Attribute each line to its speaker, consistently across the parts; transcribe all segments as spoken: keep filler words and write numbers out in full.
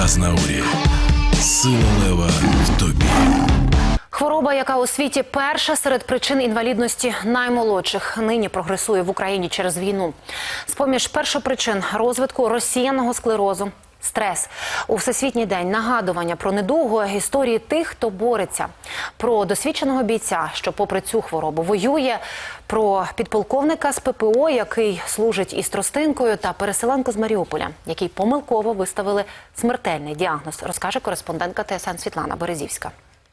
Speaker 1: Азнаурі. Сила лева в тобі.
Speaker 2: Хвороба, яка у світі перша серед причин інвалідності наймолодших, нині прогресує в Україні через війну. З-поміж першопричин розвитку розсіяного склерозу – стрес. У Всесвітній день нагадування про недугу, історії тих, хто бореться. Про досвідченого бійця, що попри цю хворобу воює, про підполковника з Пе Пе О, який служить із тростинкою, та переселенку з Маріуполя, який помилково виставили смертельний діагноз, розкаже кореспондентка Те Ес Ен Світлана Березівська.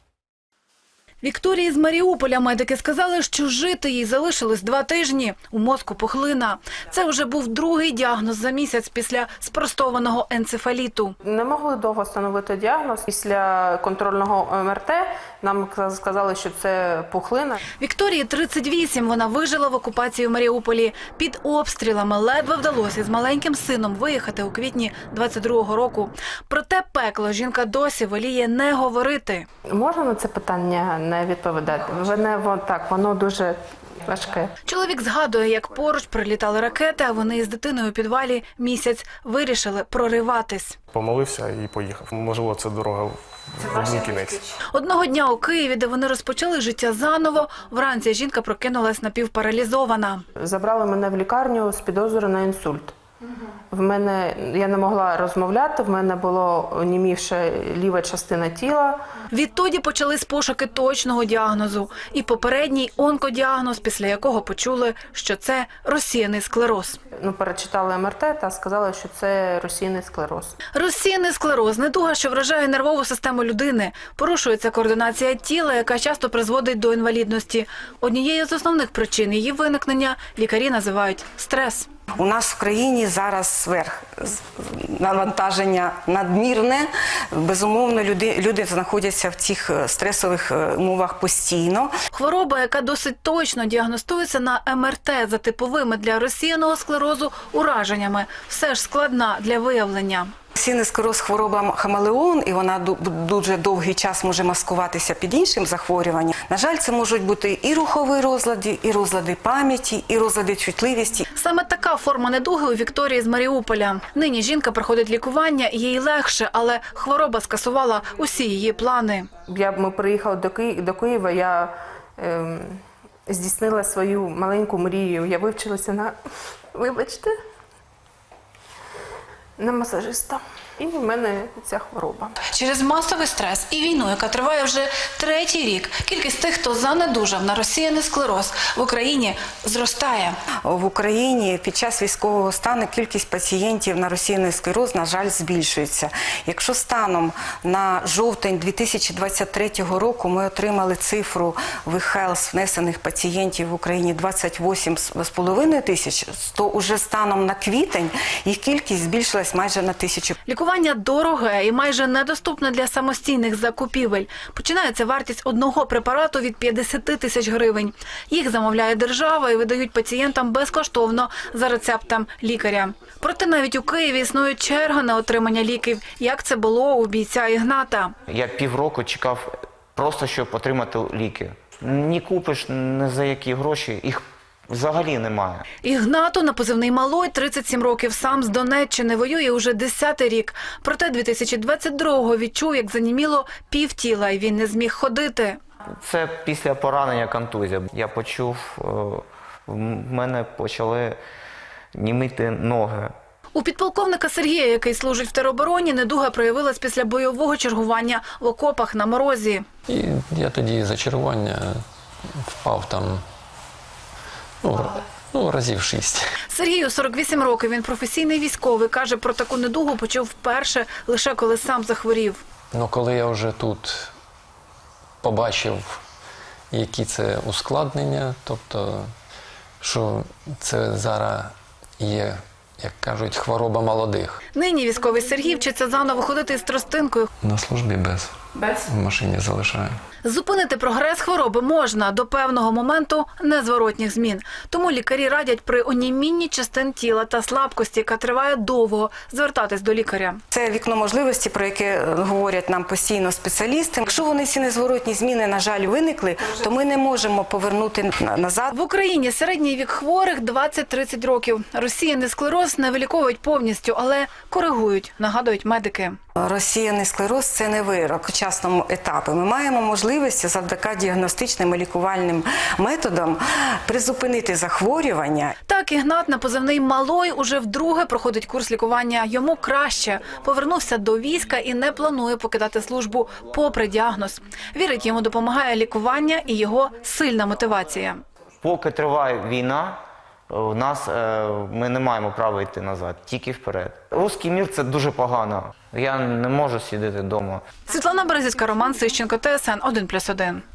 Speaker 3: Вікторії з Маріуполя медики сказали, що жити їй залишилось два тижні. У мозку пухлина. Це вже був другий діагноз за місяць після спростованого енцефаліту.
Speaker 4: Не могли довго встановити діагноз. Після контрольного Ем Ер Те нам сказали, що це пухлина.
Speaker 3: Вікторії тридцять вісім. Вона вижила в окупації в Маріуполі. Під обстрілами ледве вдалося з маленьким сином виїхати у квітні двадцять другого року. Проте пекло жінка досі воліє не говорити.
Speaker 4: Можна на це питання не відповідати? Воно, так, воно дуже важке.
Speaker 3: Чоловік згадує, як поруч прилітали ракети, а вони із дитиною у підвалі місяць вирішили прориватись.
Speaker 5: Помолився і поїхав. Можливо, це дорога в один кінець.
Speaker 3: Одного дня у Києві, де вони розпочали життя заново, вранці жінка прокинулась напівпаралізована.
Speaker 4: Забрали мене в лікарню з підозрою на інсульт. В мене, я не могла розмовляти, в мене було онімівша ліва частина тіла.
Speaker 3: Відтоді почались пошуки точного діагнозу і попередній онкодіагноз, після якого почули, що це розсіяний склероз.
Speaker 4: Ну, перечитали Ем Ер Те та сказали, що це розсіяний склероз.
Speaker 3: Розсіяний склероз – недуга, що вражає нервову систему людини. Порушується координація тіла, яка часто призводить до інвалідності. Однією з основних причин її виникнення лікарі називають стрес.
Speaker 6: У нас в країні зараз сверх навантаження надмірне. Безумовно, люди, люди знаходяться в цих стресових умовах постійно.
Speaker 3: Хвороба, яка досить точно діагностується на Ем Ер Те за типовими для розсіяного склерозу ураженнями, все ж складна для виявлення.
Speaker 6: Розсіяний склероз – хвороба хамелеон, і вона дуже довгий час може маскуватися під іншим захворюванням. На жаль, це можуть бути і рухові розлади, і розлади пам'яті, і розлади чутливості.
Speaker 3: Саме така форма недуги у Вікторії з Маріуполя. Нині жінка проходить лікування, їй легше, але хвороба скасувала усі її плани.
Speaker 4: Я, ми приїхали до, Ки... до Києва, я ем, здійснила свою маленьку мрію. Я вивчилася на, вибачте, на масажиста. І в мене ця хвороба.
Speaker 3: Через масовий стрес і війну, яка триває вже третій рік, кількість тих, хто занедужав на розсіяний склероз в Україні, зростає.
Speaker 6: В Україні під час військового стану кількість пацієнтів на розсіяний склероз, на жаль, збільшується. Якщо станом на жовтень дві тисячі двадцять третього року ми отримали цифру в e-health внесених пацієнтів в Україні двадцять вісім з половиною тисяч, то уже станом на квітень їх кількість збільшилась майже на тисячу.
Speaker 3: Лікування дороге і майже недоступне для самостійних закупівель. Починається вартість одного препарату від п'ятдесят тисяч гривень. Їх замовляє держава і видають пацієнтам безкоштовно за рецептом лікаря. Проте навіть у Києві існує черга на отримання ліків, як це було у бійця Ігната.
Speaker 7: Я півроку чекав просто, щоб отримати ліки. Ні купиш, ні за які гроші, їх взагалі немає.
Speaker 3: Ігнату на позивний «Малой» тридцять сім років, сам з Донеччини, воює уже десятий рік. Проте дві тисячі двадцять другого відчув, як заніміло півтіла, і він не зміг ходити.
Speaker 7: Це після поранення контузія. Я почув, в мене почали німіти ноги.
Speaker 3: У підполковника Сергія, який служить в теробороні, недуга проявилась після бойового чергування в окопах на морозі.
Speaker 8: І я тоді за чергування впав там, ну, ну разів шість.
Speaker 3: Сергію сорок вісім років, він професійний військовий. Каже, про таку недугу почув вперше, лише коли сам захворів.
Speaker 8: Ну, коли я вже тут побачив, які це ускладнення, тобто, що це зараз є, як кажуть, хвороба молодих.
Speaker 3: Нині військовий Сергій вчиться заново ходити із тростинкою.
Speaker 8: На службі без в машині залишаю.
Speaker 3: Зупинити прогрес хвороби можна до певного моменту незворотніх змін. Тому лікарі радять при онімінні частин тіла та слабкості, яка триває довго, звертатись до лікаря.
Speaker 6: Це вікно можливості, про яке говорять нам постійно спеціалісти. Якщо вони ці незворотні зміни, на жаль, виникли, то ми не можемо повернути назад.
Speaker 3: В Україні середній вік хворих двадцять-тридцять років. Розсіяний склероз не виліковують повністю, але коригують, нагадують медики.
Speaker 6: Розсіяний склероз – це не вирок у часному етапі. Ми маємо можливість завдяки діагностичним і лікувальним методам призупинити захворювання.
Speaker 3: Так, Ігнат на позивний «Малой» уже вдруге проходить курс лікування. Йому краще. Повернувся до війська і не планує покидати службу попри діагноз. Вірить, йому допомагає лікування і його сильна мотивація.
Speaker 7: Поки триває війна, у нас, е, ми не маємо права йти назад, тільки вперед. Руський мір – це дуже погано. Я не можу сидіти вдома.
Speaker 3: Світлана Березівська, Роман Сищенко, Т С Н один плюс один.